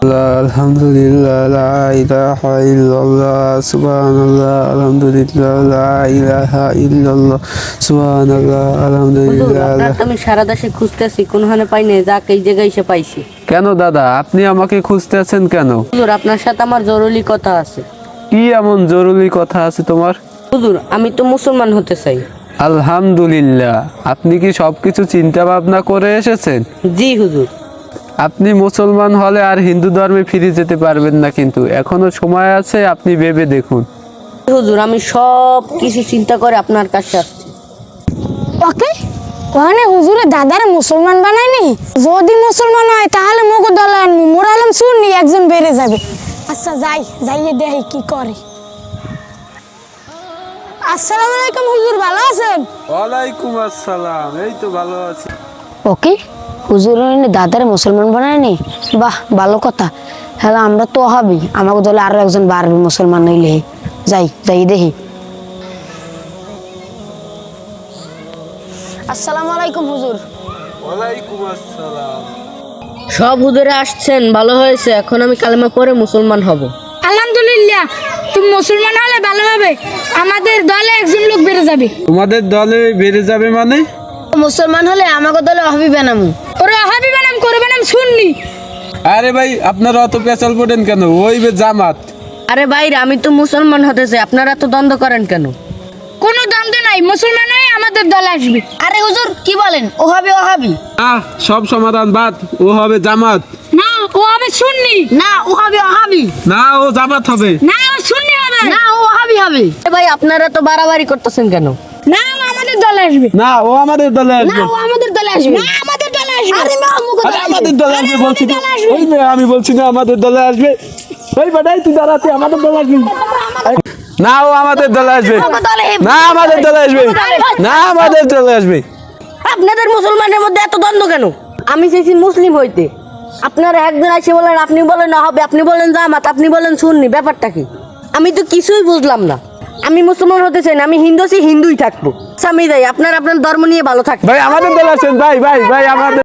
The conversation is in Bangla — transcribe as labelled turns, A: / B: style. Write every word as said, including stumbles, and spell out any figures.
A: আলহামদুলিল্লাহ লা ইলাহা ইল্লাল্লাহ সুবহানাল্লাহ আলহামদুলিল্লাহ লা ইলাহা ইল্লাল্লাহ সুবহানাল্লাহ
B: হুজুর,
A: আলহামদুলিল্লাহ।
B: আপনার তো আমি সারা দেশে খুঁজতেছি, কোনখানে পাই নাই, যাক এই জায়গায় এসে পাইছি।
A: কেন দাদা, আপনি আমাকে খুঁজতেছেন কেন?
B: হুজুর, আপনার সাথে আমার জরুরি কথা আছে।
A: কি এমন জরুরি কথা আছে তোমার?
B: হুজুর, আমি তো মুসলমান হতে চাই।
A: আলহামদুলিল্লাহ, আপনি কি সবকিছু চিন্তা ভাবনা করে এসেছেন?
B: জি হুজুর।
A: আপনি মুসলমান হলে আর হিন্দু ধর্মে ফিরে যেতে পারবেন না, কিন্তু এখনো সময় আছে, আপনি ভেবে দেখুন।
B: হুজুর, আমি সব কিছু চিন্তা করে আপনার কাছে আসছি।
C: ওকে ওখানে হুজুরে দাদার মুসলমান বানায়নি, যদি মুসলমান হয় তাহলে মুখ দলে আনবো, মোরালাম শুননি একজন বেড়ে যাবে। আচ্ছা যাই যাইয়ে দেখি কি করে। আসসালামু আলাইকুম হুজুর, ভালো আছেন?
A: ওয়ালাইকুম আসসালাম, এই তো ভালো আছি।
C: ওকে হুজুর দাদার মুসলমান বানায়নি, বাহ ভালো কথা। হ্যাঁ আমরা তো হবি, আমাকে দলে আরো একজন বাড়বে মুসলমান হইলে। যাই যাই দেখি। আসসালামু আলাইকুম হুজুর।
A: ওয়ালাইকুম আসসালাম।
B: সব হুজুরে আসছেন, ভালো হয়েছে। এখন আমি কালেমা পড়ে মুসলমান হব।
C: আলহামদুলিল্লাহ, তুমি মুসলমান হলে ভালো হবে, আমাদের দলে একজন লোক বেড়ে যাবে।
A: তোমাদের দলে বেড়ে যাবে মানে?
C: মুসলমান হলে আমাকে দলে অহাবি বানামু। ওরা অহাবি বানাম করবে নাম শুননি।
A: আরে ভাই, আপনারা অত পেঁচাল পড়েন কেন? ওই বে জামাত।
B: আরে ভাইরা, আমি তো মুসলমান হতে চাই, আপনারা তো দ্বন্দ্ব করেন কেন?
C: কোনো দ্বন্দ্ব নাই, মুসলমান হয়ে আমাদের দলে আসবে। আরে হুজুর কি বলেন, ও হবে ওহাবি?
A: আহ, সব সমাধান বাদ, ও হবে জামাত।
C: না ও হবে সুন্নি। না ও হবে ওহাবি।
A: না, ও জামাত হবে।
C: না ও সুন্নি হবে। না ও ওহাবি হবে।
B: এ ভাই, আপনারা তো বাড়াবাড়ি করতেছেন কেন?
C: না ও আমাদের দলে আসবে।
A: না, ও আমাদের দলে
C: না
A: আসবে।
C: ও আমাদের দলে আসবে। না আমাদের দলে আসবে। আরে না মুখে
A: আরে আমাদের দলে আসবে বলছি না। ওই মেয়ে, আমি বলছি না আমাদের দলে আসবে। ওই বাড়াই তুই দাঁড়াতে, আমাদের দলে আসবে। না, ও আমাদের দলে আসবে। না, আমাদের দলে আসবে। না, আমাদের দলে আসবে।
B: আপনাদের মুসলমানের মধ্যে এত দ্বন্দ্ব কেন? আমি চাইছি মুসলিম হইতে, আপনারা একজন এসে বলেন আপনি বলেন না হবে, আপনি বলেন জামাত, আপনি বলেন সুন্নি। ব্যাপারটা কি? আমি তো কিছুই বুঝলাম না। আমি মুসলমান হতে চাই না, আমি হিন্দু আছি, হিন্দুই থাকবো। আচ্ছা, আমি যাই, আপনার আপনার ধর্ম নিয়ে ভালো থাকবেন।
A: ভাই আমাদের দলে আসেন, ভাই ভাই ভাই আমাদের